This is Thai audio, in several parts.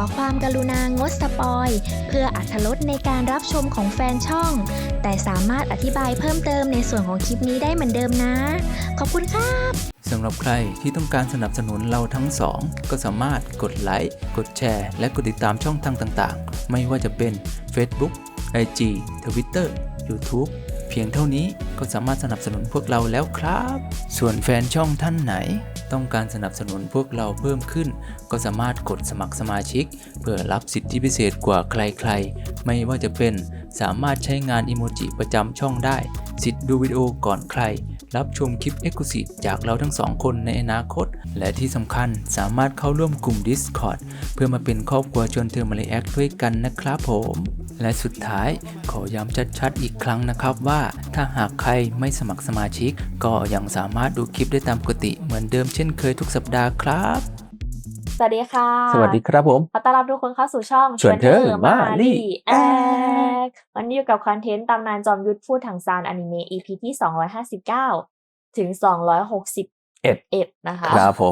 ความกรุณางดสปอยเพื่ออรรถรสในการรับชมของแฟนช่อง แต่สามารถอธิบายเพิ่มเติมในส่วนของคลิปนี้ได้เหมือนเดิมนะ ขอบคุณครับสำหรับใครที่ต้องการสนับสนุนเราทั้งสองก็สามารถกดไลค์กดแชร์และกดติดตามช่องทางต่างๆไม่ว่าจะเป็น Facebook IG Twitter YouTube เพียงเท่านี้ก็สามารถสนับสนุนพวกเราแล้วครับส่วนแฟนช่องท่านไหนต้องการสนับสนุนพวกเราเพิ่มขึ้นก็สามารถกดสมัครสมาชิกเพื่อรับสิทธิพิเศษกว่าใครๆไม่ว่าจะเป็นสามารถใช้งานอิโมจิประจำช่องได้สิทธิ์ดูวิดีโอก่อนใครรับชมคลิป Exclusive จากเราทั้งสองคนในอนาคตและที่สำคัญสามารถเข้าร่วมกลุ่ม Discord เพื่อมาเป็นครอบครัวชวนเธอมารีแอคด้วยกันนะครับผมและสุดท้ายขอย้ำชัดๆอีกครั้งนะครับว่าถ้าหากใครไม่สมัครสมาชิกก็ยังสามารถดูคลิปได้ตามปกติเหมือนเดิมเช่นเคยทุกสัปดาห์ครับสวัสดีค่ะสวัสดีครับผมขอต้อนรับทุกคนเข้าสู่ช่องชวนเธอมารีแอควันนี้อยู่กับคอนเทนต์ตำนานจอมยุทธพูดถังซานอนิเมะ EP ที่259ถึง261นะคะครับผม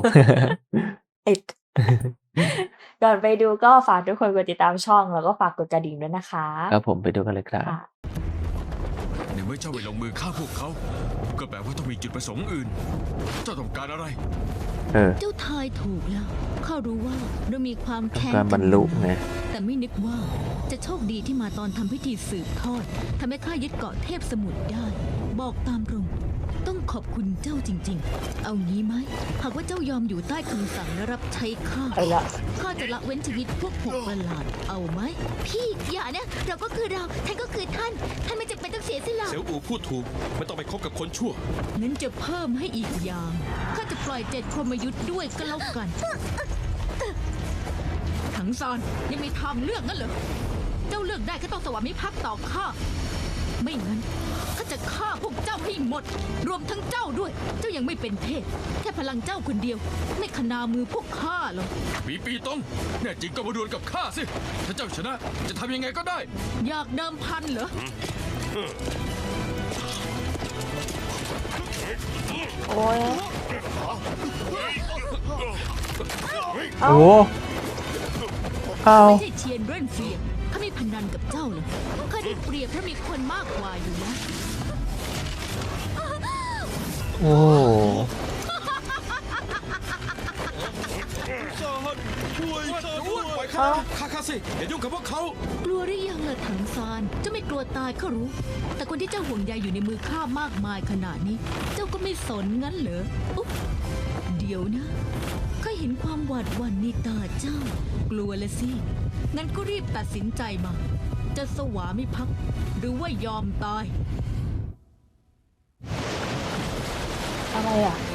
ก่อนไปดูก็ฝากทุกคนกดติดตามช่องแล้วก็ฝากกดกระดิ่งด้วยนะคะครับผมไปดูกันเลยครับในเมื่อเจ้าไปลงมือฆ่าพวกเขาก็แปลว่าต้องมีจุดประสงค์อื่นเจ้าต้องการอะไรเจ้าทายถูกแล้วข้ารู้ว่าเรามีความแค้นการบรรลุไงแต่ไม่นึกว่าจะโชคดีที่มาตอนทำพิธีสืบทอดทำให้ข้ายึดเกาะเทพสมุทรได้บอกตามตรงต้องขอบคุณเจ้าจริงๆเอางี้ไหมหากว่าเจ้ายอมอยู่ใต้คำสั่งและรับใช้ข้าจะละเว้นชีวิตพวกหกประหลาดเอาไหมพี่อย่านะเราก็คือเราท่านก็คือท่านไม่จำเป็นต้องเสียสละเสี่ยวอู่พูดถูกไม่ต้องไปคบกับคนชั่วงั้นจะเพิ่มให้อีกอย่างข้าจะปล่อย7พรหมยุทธ์ด้วยก็แล้วกันถังซานยังมีทางเลือกงั้นเหรอเจ้าเลือกได้ก็ต้องสวามิภักดิ์ต่อข้าไม่งั้นข้าจะฆ่าพวกเจ้าให้หมดรวมทั้งเจ้าด้วยเจ้ายังไม่เป็นเทพแค่พลังเจ้าคนเดียวไม่ขนามือพวกข้าหรอกปีตงแน่จริงก็มาดวลกับข้าสิถ้าเจ้าชนะจะทำยังไงก็ได้อยากเดิมพันเหรอโอ้ยโอ้ไม่ใช่เชียนเรนเฟียข้าไม่พนันกับเจ้าเลยข้าได้เปรียบเพราะมีคนมากกว่าอยู่นะโอ้ช่วยข้าสิอย่ายุ่งกับพวกเขากลัวหรือยังล่ะถังซานเจ้าไม่กลัวตายข้ารู้แต่คนที่เจ้าห่วงใยอยู่ในมือข้ามากมายขนาดนี้เจ้าก็ไม่สนงั้นเหรออุ๊บเดี๋ยวนะข้าเห็นความหวาดหวั่นในตาเจ้ากลัวละสิงั้นก็รีบตัดสินใจมาจะสวามิภักดิ์หรือว่ายอมตายอะไรอ่ะ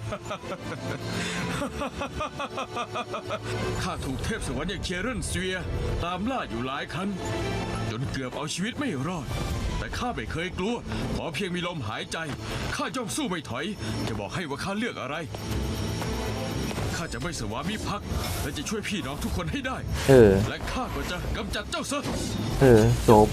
ข้าถูกเทพสวรรค์อย่างเคียเรนเซียตามล่าอยู่หลายครั้งจนเกือบเอาชีวิตไม่รอดแต่ข้าไม่เคยกลัวขอเพียงมีลมหายใจข้าย่อมสู้ไม่ถอยจะบอกให้ว่าข้าเลือกอะไรข้าจะไม่สวามิภักดิ์และจะช่วยพี่น้องทุกคนให้ได้และข้าก็จะกำจัดเจ้าซะจบ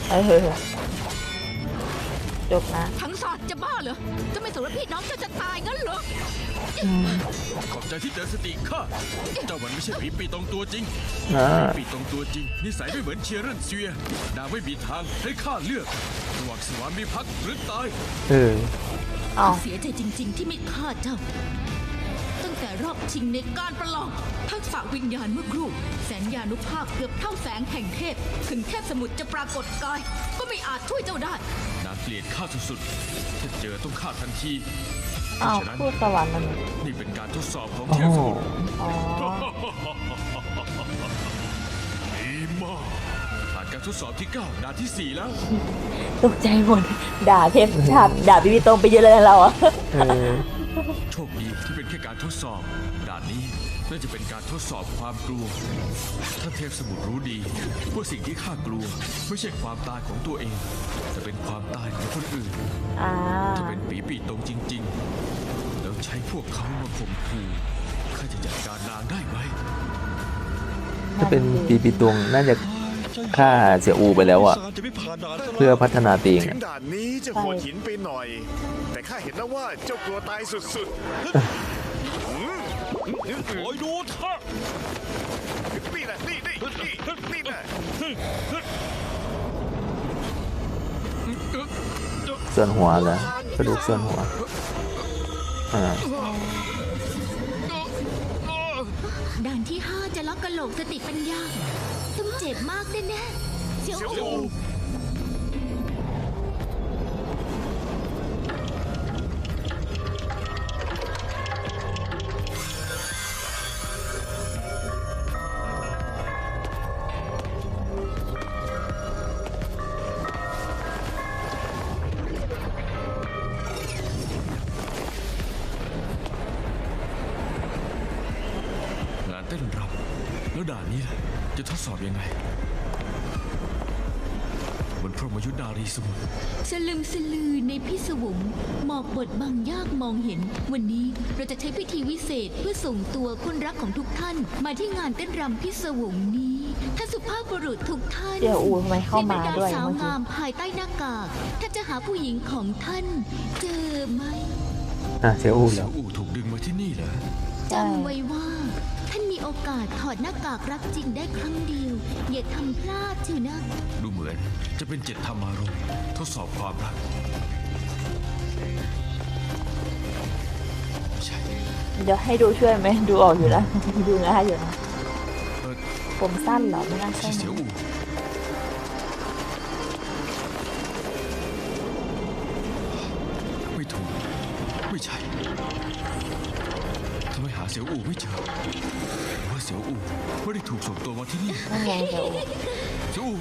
จบนะทั้งศาสตร์จะบ้าเหรอจะไม่สนว่าพี่น้องเจ้าจะตายงั้นเหรอขอบใจที่เตือนสติข้าเจ้ามันไม่ใช่ปีตรงตัวจริงปีตรงตัวจริงนิสัยไม่เหมือนเชียร์เรนเซียนางไม่มีทางให้ข้าเลือกระหว่างสวามิภักดิ์หรือตายเสียใจจริงๆที่ไม่ฆ่าเจ้าตั้งแต่รอบชิงในการประลองทักษะวิญญาณเมื่อครู่แสนยานุภาพเกือบเท่าแสงแห่งเทพถึงเทพสมุทรจะปรากฏกายก็ไม่อาจช่วยเจ้าได้นางเกลียดข้าสุดๆถ้าเจอต้องฆ่าทันทีพูดสวรรค์มันนี่เป็นการทดสอบของเทพสมุทรดีมากผ่านการทดสอบที่9ด่านที่4แล้วตกใจหมดด่าเทพชาติด่าพี่ตรงไปเยอะเลยเราอ่ะโชคดีที่เป็นแค่การทดสอบด่านนี้น่าจะเป็นการทดสอบความกลัวถ้าเทพสมุทรรู้ดีว่าสิ่งที่ข้ากลัวไม่ใช่ความตายของตัวเองแต่เป็นความตายของคนอื่นถ้าเป็นปีตรงจริงๆแล้วใช้พวกเขามาข่มขู่ข้าจะจัดการนางได้ไหมถ้าเป็นปีตรงน่าจะฆ่าเสี่ยอูไปแล้วอ่ะเพื่อพัฒนาตีงด่านนี้จะโหดหินไปหน่อยแต่ข้าเห็นแล้วว่าเจ้ากลัวตายสุดๆคอยดูเถอะนี่แหละนี่แหละส่วนหัวเหรอ กระดูกส่วนหัวด่านที่ 5 จะล็อกกะโหลกสติปัญญาต้องเจ็บมากแน่ๆเสี่ยวอู่งานเต้นรำแล้วด่านนี้ล่ะจะทดสอบยังไงบนพรหมยุทธนารีสมุทรสลึมสลือในพิศวงหมอกบดบังยากมองเห็น วันนี้เราจะใช้พิธีวิเศษเพื่อส่งตัวคนรักของทุกท่าน มาที่งานเต้นรำพิศวงนี้ท่านสุภาพบุรุษทุกท่านเดี๋ยวอูทำไมเข้ามาด้วยที่เป็นดสาวเมื่อกี้งามภายใต้หน้ากากท่านจะหาผู้หญิงของท่านเจอไหมเสียอู่เสี่แล้ยว วอู่ถูกดึงมาที่นี่เหรอจำไว้ว่า ท่านมีโอกาสถอดหน้ากากรักจริงได้ครั้งเดียว อย่าทำพลาดเถอะนะดูเหมือนจะเป็น7ธรรมารมณ์ทดสอบความรักใช่เดี๋ยวให้ดูช่วยไหมดูออกอยู่แล้วดูง่ายอยู่นะเออผมสั้นเหรอไม่น่าใช่ใช่เสี่ยวนะอู่ไม่ถูกไม่ใช่ทำไมหาเสี่ยวอู่ไม่เจอหรือว่าเสี่ยวอู่ไม่ได้ถูกส่งตัวมาที่นี่นั่นไงเดี๋ยวอูเสี่ยวอู่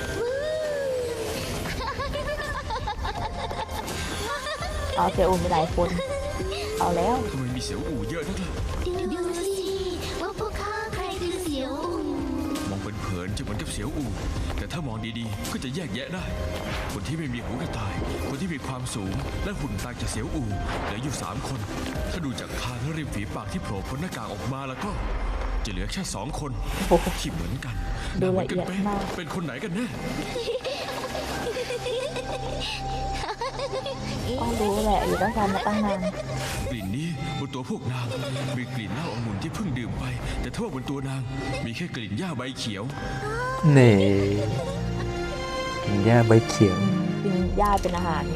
เอาเสียอูมีหลายคนเอาแล้วทำไมมีเสี่ยวอู่เยอะนักล่ะดูสิว่าพวกข้าใครคือเสียวอู่มองเป็นเผินจะเหมือนกับเสี่ยวอู่แต่ถ้ามองดีๆก็จะแยกแยะได้ คนที่ไม่มีหูกระต่าย คนที่มีความสูงและหุ่นต่างจากเสี่ยวอู่เหลืออยู่3 คน ถ้าดูจากคางและริมฝีปากที่โผล่พ้นหน้ากากออกมาแล้วก็ จะเหลือแค่2 คนโอ้โหที่เหมือนกันดูหน้าเหมืละอนกัเอียดเป๊ะมากเป็นคนไหนกันแน่ต้องรู้แหละอยู่ด้วยกันมาตั้งนานกลิ่นนี้บนตัวพวกนางมีกลิ่นเหล้าองุ่นที่เพิ่งดื่มไป แต่ถ้าว่าบนตัวนางมีแค่กลิ่นหญ้าใบเขียวเน่หญ้าใบเขียวกินหญ้าเป็นอาหารไง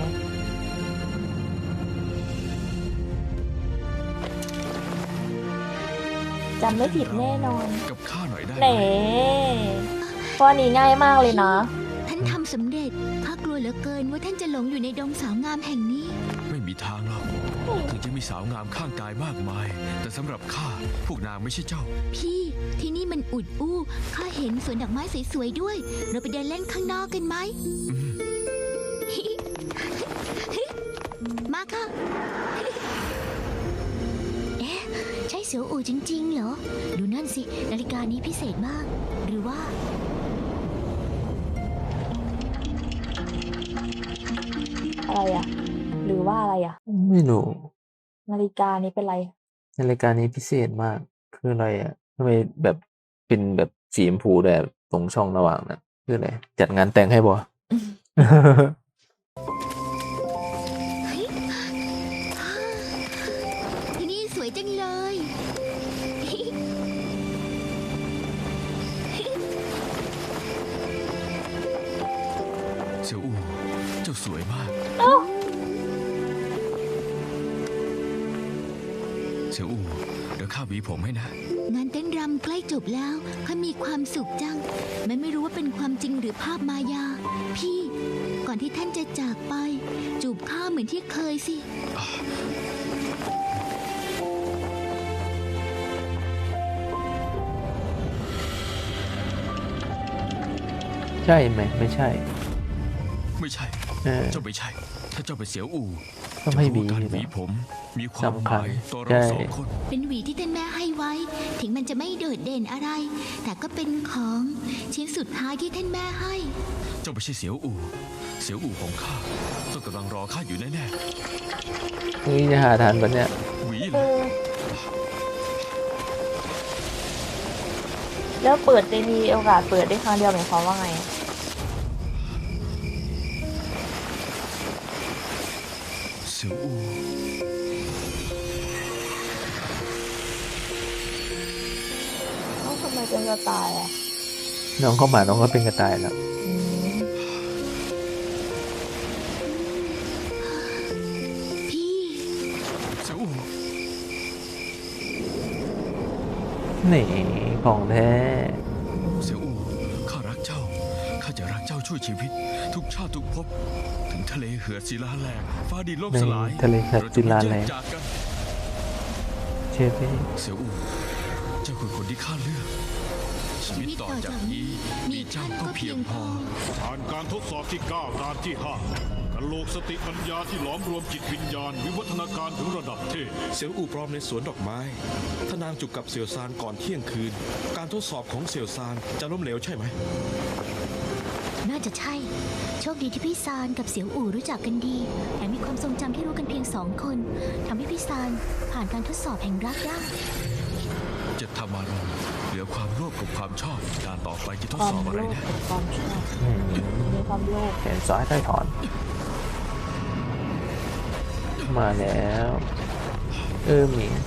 จำไม่ผิดแน่นอนกับข้าหน่อยได้ไหเน่มข้อนี้ง่ายมากเลยนะท่านทำสำเร็จข้ากลัวเหลือเกินว่าท่านจะหลงอยู่ในดงสาวงามแห่งนี้ไม่มีทางหรอกถึงจะมีสาวงามข้างกายมากมาย แต่สำหรับข้าพวกนางไม่ใช่เจ้าพี่ที่นี่มันอุดอู้ข้าเห็นสวนดอกไม้สวยๆด้วย เราไปเดินเล่นข้างนอกกันไหม มาค่ะ เอ๊ะ ใช่เสียวอู่จริงๆเหรอ ดูนั่นสิ นาฬิกานี้พิเศษมาก หรือว่าอะไรอ่ะ หรือว่าอะไรอ่ะไม่รู้นาฬิกานี้เป็นไรในรายการนี้พิเศษมาก คืออะไรอ่ะทำไมแบบเป็นแบบสีชมพูแต่ตรงช่องระหว่างนะคืออะไร จัดงานแต่งให้บ่ที่นี่สวยจังเลยเสี่ยวอู่เจ้าสวยมาก เสี่ยวอู่เดี๋ยวข้าหวีผมให้นะงานเต้นรำใกล้จบแล้วข้ามีความสุขจังแม้ไม่รู้ว่าเป็นความจริงหรือภาพมายา พี่ ก่อนที่ท่านจะจากไป จูบข้าเหมือนที่เคยสิใช่ไหมไม่ใช่ไม่ใช่ เจ้าไม่ใช่ ถ้าเจ้าเป็นเสี่ยวอู่ก็ไม่มีจะรู้การหวีนะผม มีความสำหคัญมายต่อใช่เรา2 คนเป็นหวีที่ท่านแม่ให้ไว้ ถึงมันจะไม่โดดเด่นอะไร แต่ก็เป็นของชิ้นสุดท้ายที่ท่านแม่ให้เจ้าไม่ใช่เสี่ยวอู่ เสี่ยวอู่ของข้าต้องกำลังรอข้าอยู่แน่นี่จะหาทานปะเนี่ยๆหวีเอเลยอ แล้วเปิดจะมีโอกาสเปิดได้ครั้งเดียวหมายความว่าไงเสี่ยวอู่เป็นสไตล์อ่ะน้องเข้ามาน้องก็เป็นกระต่ายแล้วอืมพี่เสี่ยวอู่นี่ของแท้เสี่ยวอู่ข้ารักเจ้าข้าจะรักเจ้าช่วยชีวิต ทุกชาติทุกภพถึงทะเลเหือดศิลาแหลกฟ้าดินล่มในสลายทะเลเหือดศิลาแหลกเรจะไม่แยกจากกันเชฟพี่เสี่ยวอู่เจ้าคือคนที่ข้าเลือกชีวิตต่อจากนี้มีเจ้าก็เพียงพอผ่านการทดสอบที่ 9 ด่านที่ 5กะโหลกสติปัญญาที่หลอมรวมจิตวิญญาณ วิวัฒนาการถึงระดับเทพเสี่ยวอู่ปลอมในสวนดอกไม้ ถ้านางจุกกับเสี่ยวซานก่อนเที่ยงคืน การทดสอบของเสี่ยวซานจะล้มเหลวใช่ไหมน่าจะใช่ โชคดีที่พี่ซานกับเสี่ยวอู่รู้จักกันดีแถมมีความทรงจำที่รู้กันเพียง2 คนทำให้พี่ซานผ่านการทดสอบแห่งรักได้จะทำอะไรเหลือความโลภกับความชอบการต่อไปจะทดความสอบอะไรโลภนะกับความชอบมีความโลภแขนซ้ายใต้ถอน มาแล้วหมิง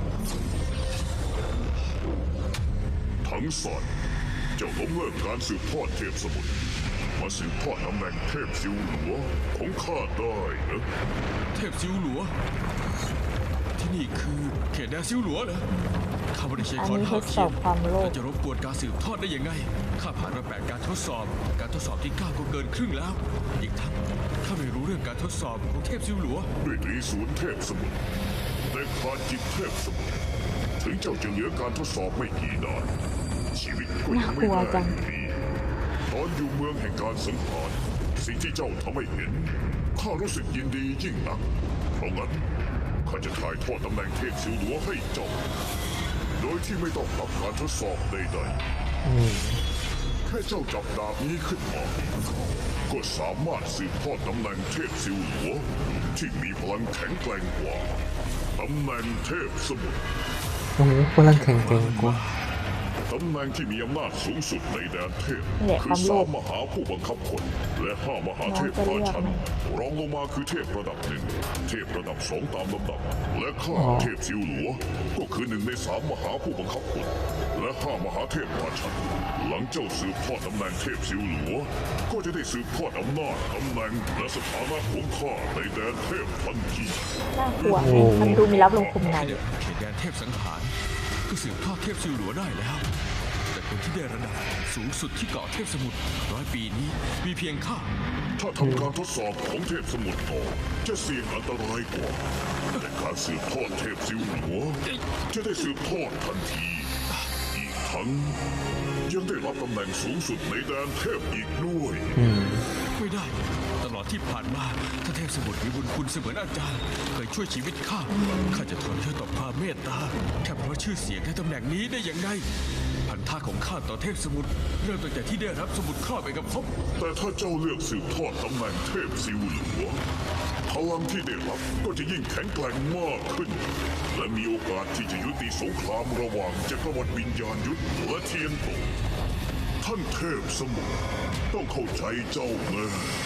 ทั้งสอนเจ้าล้มเลิกการสืบทอดเทพสมุทรมาสืบทอดตำแหน่งเทพซิวหลัวของข้าได้นะเทพซิวหลัว ที่นี่คือเขตแดนซิวหลัวเหรอข้าไม่ได้ใช้อันคอนนี้ทหาดสเขีอย บนความโลภจะรบกวนการสืบทอดได้ยังไงข้าผ่านมา8 การทดสอบ การทดสอบที่ 9 ก็เกินครึ่งแล้ว อีกทั้งข้าไม่รู้เรื่องการทดสอบของเทพซิวหลัวด้วยตรีศูนย์เทพสมุทรแต่ขาดจิตเทพสมุทรถึงเจ้าจะเหลือการทดสอบไม่กี่ด่านชีวิตก็ยังไม่ได้อยู่ดีตอนอยู่เมืองแห่งการสังหารสิ่งที่เจ้าทำให้เห็นข้ารู้สึกยินดียิ่งนักเพราะงั้นข้าจะถ่ายทอดตำแหน่งเทพซิวหลัวให้เจ้าโดยที่ไม่ต้องรับการทดสอบใดๆแค่เจ้าจับดาบนี้ขึ้นมาก็สามารถสืบทอดตำแหน่งเทพซิวหลัวที่มีพลังแข็งแกร่งกว่าตำแหน่งเทพสมุทรโอ้โหพลังแข็งแกร่งกว่าตำแหน่งที่มีอำนาจสูงสุดในแดนเทพนี่แหละคืความโลภ 3 มหาผู้บังคับคนและ 5 มหาเทพน้องจะเลืราอกชันไหมรองลงมาคือเทพระดับ 1 เทพระดับ 2 ตามลำดับ และข้าเทพซิวหลัว ก็คือ1 ใน 3 มหาผู้บังคับคนและ 5 มหาเทพราชัน หลังเจ้าสืบทอดตำแหน่งเทพซิวหลัว ก็จะได้สืบทอดอำนาจตำแหน่งและสถานะของข้าในแดนเทพทันทีน่ากลัวมันดูมีรับลงคุมในเขตแดนเทพสังหารก็สืบทอดเทพซิวหลัวได้แล้ว แต่คนที่ได้ระดับสูงสุดที่เกาะเทพสมุทร100 ปีนี้มีเพียงข้าถ้าทำการทดสอบของเทพสมุทรต่อจะเสี่ยงอันตรายกว่าแต่การสืบทอดเทพซิวหลัวจะได้สืบทอดทันที อีกทั้งยังได้รับตำแหน่งสูงสุดในแดนเทพอีกด้วยไม่ได้ ตลอดที่ผ่านมาถ้าเทพสมุทรมีบุญคุณเสมือนอาจารย์เคยช่วยชีวิตข้าข้าจะทนเพื่อต่อความเมตตาแค่เพราะชื่อเสียงในตำแหน่งนี้ได้ยังไงพันธะของข้าต่อเทพสมุทรเริ่มตั้งแต่ที่ได้รับสมุดครอบไปกับพบแต่ถ้าเจ้าเลือกสืบทอดตำแหน่งเทพซิวหลัวพลังที่ได้รับก็จะยิ่งแข็งแกร่งมากขึ้น และมีโอกาสที่จะยุติสงครามระหว่างจักรวรรดิวิญญาณยุทธและเทียนโตท่านเทพสมุทรต้องเข้าใจเจ้านะ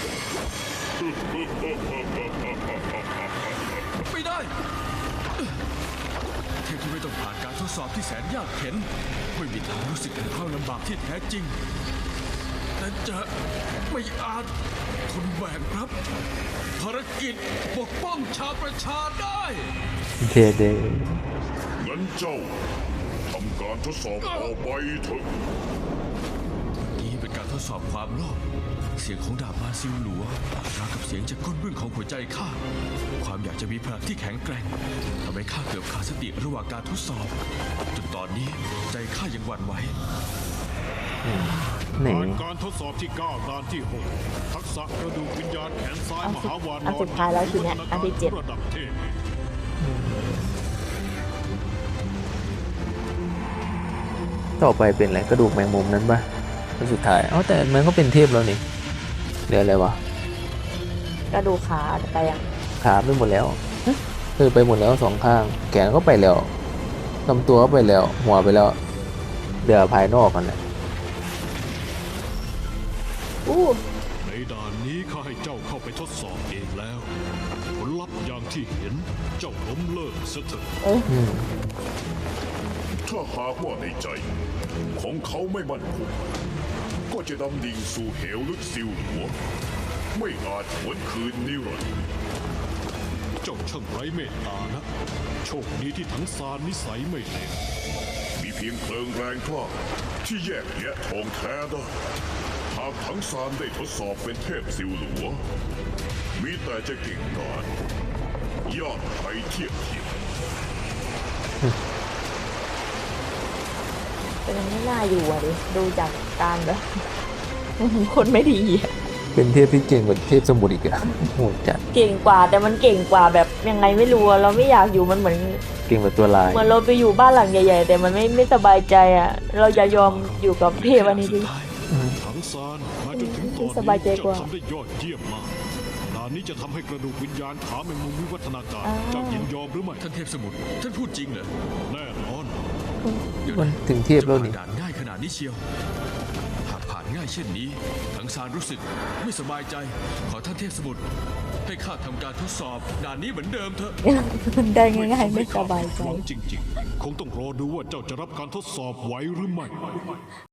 ไม่ได้เทพที่ไม่ต้องผ่านการทดสอบที่แสนยากเข็ญไม่มีทางรู้สึกถึงความลำบากที่แท้จริงแต่จะไม่อาจทนแบกรับภารกิจปกป้องชาวประชาได้เทเดงั้นเจ้าทำการทดสอบต่อไปเถอะนี่เป็นการทดสอบความโลภเสียงของดาบมาซิลหลัวราวกับเสียงจากก้นบึ้งของหัวใจข้าความอยากจะมีพลังที่แข็งแกร่งทำให้ข้าเกือบขาดสติระหว่างการทดสอบจนตอนนี้ใจข้ายังหวั่นไหวนี่ผ่านการทดสอบที่ 9 ด่านที่ 6 ทักษะกระดูกวิญญาณแขนซ้ายมหาวานอนอันสุดท้ายแล้วทีเนี้ยอันที่เจ็ดระดับเทพต่อไปเป็นอะไรกระดูกแมงมุมนั้นปะแล้วสุดท้ายเอ้าแต่มันก็เป็นเทพแล้วนี่เหลืออะไรวะกระดูกขาไปยังขาไปหมดแล้วไปหมดแล้ว2 ข้างแขนก็ไปแล้วลำตัวก็ไปแล้วหัวไปแล้วเหลือภายนอกกันแหละอู้ในด่านนี้ข้าให้เจ้าเข้าไปทดสอบเองแล้ว ผลลัพธ์อย่างที่เห็นเจ้าล้มเลิกซะเถอะอืมถ้าหากว่าในใจ ของเขาไม่มั่นคงก็จะดำดิ่งสู่เหวลึกซิวหัว ไม่อาจหวนคืนนิรันดร์เจ้าช่างไร้เมตตานะ โชคดีที่ทั้งซานนิสัยไม่เลวมีเพียงเพลิงแรงกล้าที่แยกแยะทองแท้ได้หากทั้งซานได้ทดสอบเป็นเทพซิวหลัว มีแต่จะเก่งกาจยอดไปเทียบเทียมแต่มันไม่น่าอยู่อะดิดูจากการแบบ คนไม่ดีอะเป็นเทพที่เก่งกว่าเทพสมุทรอีกอะโหดจัดเก่งกว่าแต่มันเก่งกว่าแบบยังไงไม่รู้อะเราไม่อยากอยู่มันเหมือนเก่งกว่าตัวลายเหมือนเราไปอยู่บ้านหลังใหญ่ๆแต่มันไม่สบายใจอ่ะเราจะยอมอยู่กับเทพอันนี้ดิทั้งซานมาจนถึงตอนสบายใจนี้กว่าเจ้าทำได้ยอดเยี่ยมมากด่านนี้จะทำให้กระดูกวิญญาณขาแมงมุมวิวัฒนาการ เจ้ายินยอมหรือไม่ท่านเทพสมุทรท่านพูดจริงเหรอแน่นอนเดี๋ยวมันนะถึงเทพแล้วนี่จะผ่านด่านง่ายขนาดนี้เชียว หากผ่านง่ายเช่นนี้ ทั้งซานรู้สึกไม่สบายใจ ขอท่านเทพสมุทรให้ข้าทำการทดสอบด่านนี้เหมือนเดิมเถอะได้ง่ายๆไม่สบายใจหวังจริงๆ คงต้องรอดูว่าเจ้าจะรับการทดสอบไหวหรือไม่